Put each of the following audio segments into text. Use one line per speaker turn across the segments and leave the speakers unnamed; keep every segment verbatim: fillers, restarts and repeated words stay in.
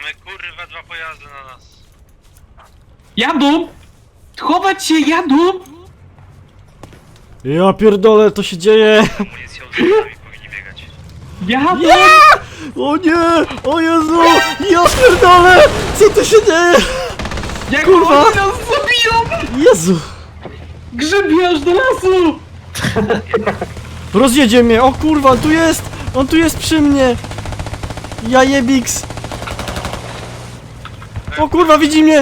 Mamy kurwa dwa pojazdy na nas.
Jadą! Chować się, jadą!
Ja pierdolę, to się dzieje!
Amunicją z nami powinni biegać.
Jadą!
Nie! O nie! O Jezu! Ja pierdolę! Co tu się dzieje?
Jak
kurwa!
oni nas zabiją!
Jezu!
Grzebiarz do lasu!
Rozjedzie mnie! O kurwa, on tu jest! On tu jest przy mnie! Ja jebiks! O kurwa, widzi mnie!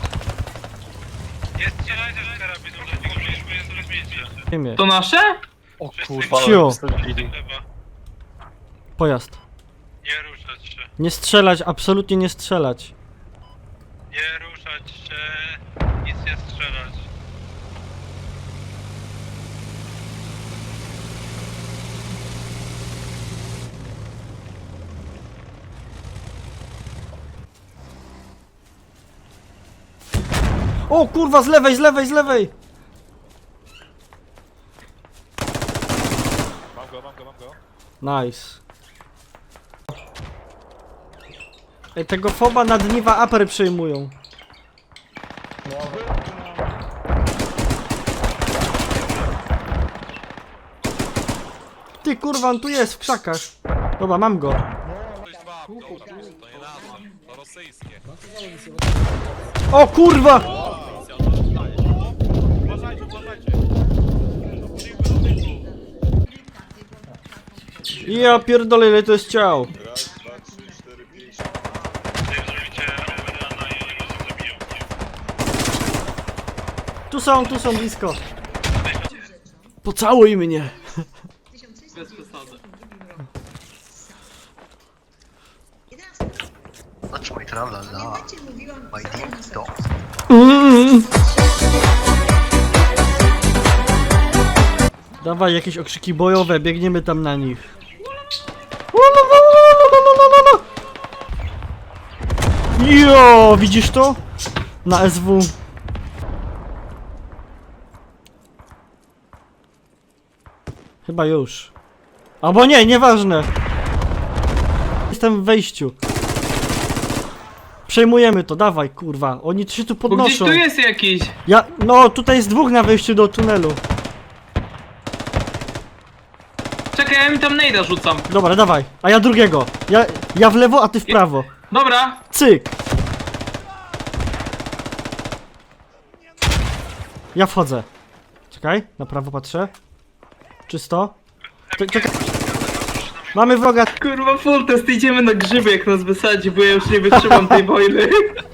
Nie strzelajcie z karabinu, dlatego że już jest rozbicie.
Nie mnie.
To nasze?
O kurwa,
Cio.
ale wstawili.
Chyba.
Pojazd.
Nie ruszać się.
Nie strzelać, absolutnie nie strzelać.
Nie ruszać się. Nic nie strzelać.
O kurwa, z lewej, z lewej, z lewej!
Mam go, mam go, mam go.
Nice. Ej, tego foba na dniwa upper przejmują. Ty kurwa, on tu jest w krzakach. Dobra, mam go.
To nie nasze, to rosyjskie.
O kurwa!
Uważajcie, uważajcie.
Ja pierdolę, ile to jest ciał.
Wy zrobicie Roberana i oni was zabiją.
Tu są, tu są blisko. Pocałuj mnie.
Bez przesady.
Touch my tralala, my deep dog.
Mm. Dawaj jakieś okrzyki bojowe, biegniemy tam na nich. Jo, widzisz to? Na S W. Chyba już. Albo nie, nieważne. Jestem w wejściu. Przejmujemy to, dawaj kurwa. Oni się tu
Bo gdzieś
podnoszą.
tu jest jakiś.
Ja, no tutaj jest dwóch na wejściu do tunelu.
Czekaj, ja mi tam nejda rzucam.
Dobra, dawaj. A ja drugiego. Ja, ja w lewo, a ty w prawo.
Dobra.
Cyk. Ja wchodzę. Czekaj, na prawo patrzę. Czysto. Cze- Czekaj. Mamy wroga.
Kurwa, full test, idziemy na grzyby jak nas wysadzi, bo ja już nie wytrzymam tej wojny.